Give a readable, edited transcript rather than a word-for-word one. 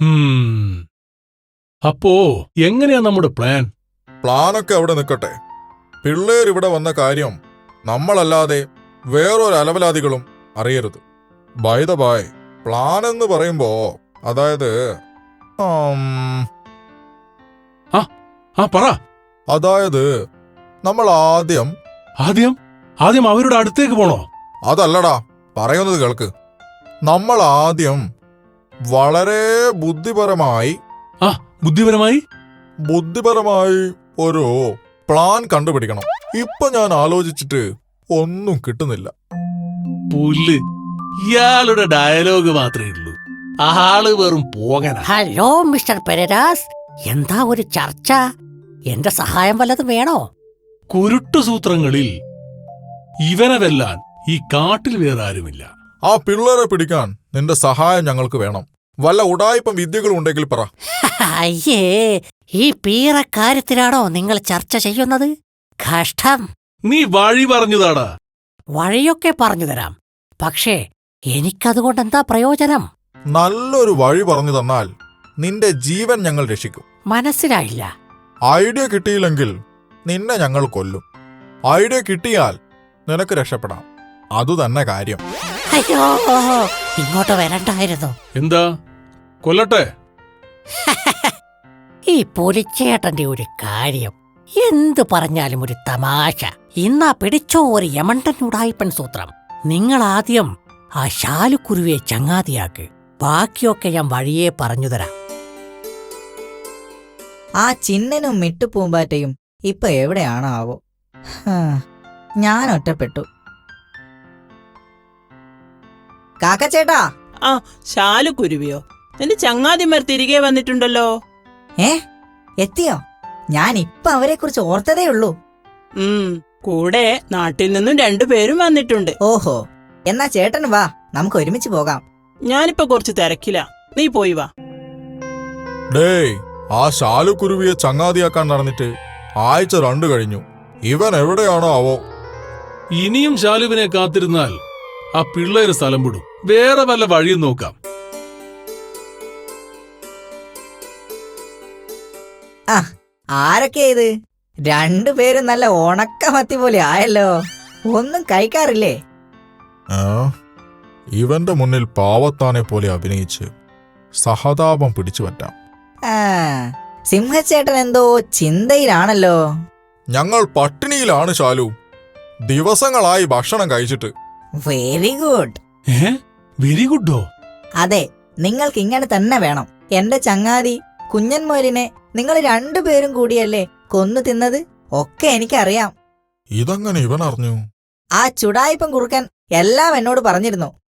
അപ്പോ എങ്ങനെയാ നമ്മുടെ പ്ലാൻ? പ്ലാനൊക്കെ അവിടെ നിൽക്കട്ടെ. പിള്ളേരിവിടെ വന്ന കാര്യം നമ്മളല്ലാതെ വേറൊരു അലവലാദികളും അറിയരുത്. ബൈ ദ ബൈ, പ്ലാൻ എന്ന് പറയുമ്പോ അതായത് പറ. അതായത് നമ്മൾ ആദ്യം അവരുടെ അടുത്തേക്ക് പോണോ? അതല്ലടാ, പറയുന്നത് കേൾക്ക്. നമ്മൾ ആദ്യം വളരെ ബുദ്ധിപരമായി ഒരു പ്ലാൻ കണ്ടുപിടിക്കണം. ഇപ്പൊ ഞാൻ ആലോചിച്ചിട്ട് ഒന്നും കിട്ടുന്നില്ല. പുല്ല്, ഇയാളുടെ ഡയലോഗ് മാത്രമേ ഉള്ളൂ. ആള് വെറും പോകന. ഹലോ മിസ്റ്റർ പെരേരാസ്, എന്താ ഒരു ചർച്ച? എന്റെ സഹായം വല്ലതും വേണോ? കുരുട്ടുസൂത്രങ്ങളിൽ ഇവനെ വെല്ലാൻ ഈ കാട്ടിൽ വേറെ ആരുമില്ല. ആ പിള്ളേരെ പിടിക്കാൻ നിന്റെ സഹായം ഞങ്ങൾക്ക് വേണം. വല്ല ഉടായിപ്പം വിദ്യകളും ഉണ്ടെങ്കിൽ പറ. അയ്യേ, ഈ പീറക്കാര്യത്തിലാണോ നിങ്ങൾ ചർച്ച ചെയ്യുന്നത്? കഷ്ടം. നീ വഴി പറഞ്ഞതാടാ. വഴിയൊക്കെ പറഞ്ഞു തരാം, പക്ഷേ എനിക്കതുകൊണ്ടെന്താ പ്രയോജനം? നല്ലൊരു വഴി പറഞ്ഞു തന്നാൽ നിന്റെ ജീവൻ ഞങ്ങൾ രക്ഷിക്കും. മനസ്സിലായില്ല. ഐഡിയ കിട്ടിയില്ലെങ്കിൽ നിന്നെ ഞങ്ങൾ കൊല്ലും. ഐഡിയ കിട്ടിയാൽ നിനക്ക് രക്ഷപ്പെടാം. അതുതന്നെ കാര്യം. അയ്യോ, ഇങ്ങോട്ട് വരണ്ടായിരുന്നു. എന്താ, കൊല്ലട്ടെ? ഈ പുലിച്ചേട്ടന്റെ ഒരു കാര്യം എന്തു പറഞ്ഞാലും ഒരു തമാശ. ഇന്നാ പിടിച്ചോ ഒരു യമണ്ടൻ ഉടായിപ്പൻ സൂത്രം. നിങ്ങൾ ആദ്യം ആ ശാലുക്കുരുവിയെ ചങ്ങാതിയാക്ക്, ബാക്കിയൊക്കെ ഞാൻ വഴിയേ പറഞ്ഞു തരാം. ആ ചിന്നനും മിട്ടുപൂമ്പാറ്റയും ഇപ്പൊ എവിടെയാണാവോ? ഞാൻ ഒറ്റപ്പെട്ടു. കാക്കച്ചേട്ടാ. ആ, ശാലുക്കുരുവിയോ? നിന്റെ ചങ്ങാതിമാർ തിരികെ വന്നിട്ടുണ്ടല്ലോ. എത്തിയോ? ഞാൻ ഇപ്പൊ അവരെ കുറിച്ച് ഓർത്തതേ ഉള്ളൂ. കൂടെ നാട്ടിൽ നിന്നും 2 പേരും വന്നിട്ടുണ്ട്. ഓഹോ, എന്നാ ചേട്ടൻ വാ, നമുക്ക് ഒരുമിച്ച് പോകാം. ഞാനിപ്പോ കുറച്ച് തിരക്കില്ല, നീ പോയി വാ. ഡേയ്, ആ ശാലുക്കുരുവിയെ ചങ്ങാതിയാക്കാൻ നടന്നിട്ട് ആഴ്ച 2 കഴിഞ്ഞു. ഇവൻ എവിടെയാണോ ആവോ? ഇനിയും ശാലുവിനെ കാത്തിരുന്നാൽ ആ പിള്ളേര് സ്ഥലം വിടും. വേറെ വല്ല വഴിയും നോക്കാം. ആരൊക്കെയാ ഇത്? 2 പേരും നല്ല ഉണക്കമത്തി പോലെ ആയല്ലോ. ഒന്നും കഴിക്കാറില്ലേ? ഇവന്റെ മുന്നിൽ പാവത്താനെ പോലെ അഭിനയിച്ച് സഹതാപം പിടിച്ചു പറ്റാം. സിംഹച്ചേട്ടൻ എന്തോ ചിന്തയിലാണല്ലോ. ഞങ്ങൾ പട്ടിണിയിലാണ് ശാലു, ദിവസങ്ങളായി ഭക്ഷണം കഴിച്ചിട്ട്. Very good. വെരി ഗുഡോ? അതെ, നിങ്ങൾക്ക് ഇങ്ങനെ തന്നെ വേണം. എന്റെ ചങ്ങാതി കുഞ്ഞൻ മൊയലിനെ നിങ്ങൾ 2 പേരും കൂടിയല്ലേ കൊന്നു തിന്നത്? ഒക്കെ എനിക്കറിയാം. ഇതെങ്ങനെ ഇവൻ അറിഞ്ഞു? ആ ചുടായിപ്പം കുറുക്കൻ എല്ലാം എന്നോട് പറഞ്ഞിരുന്നു.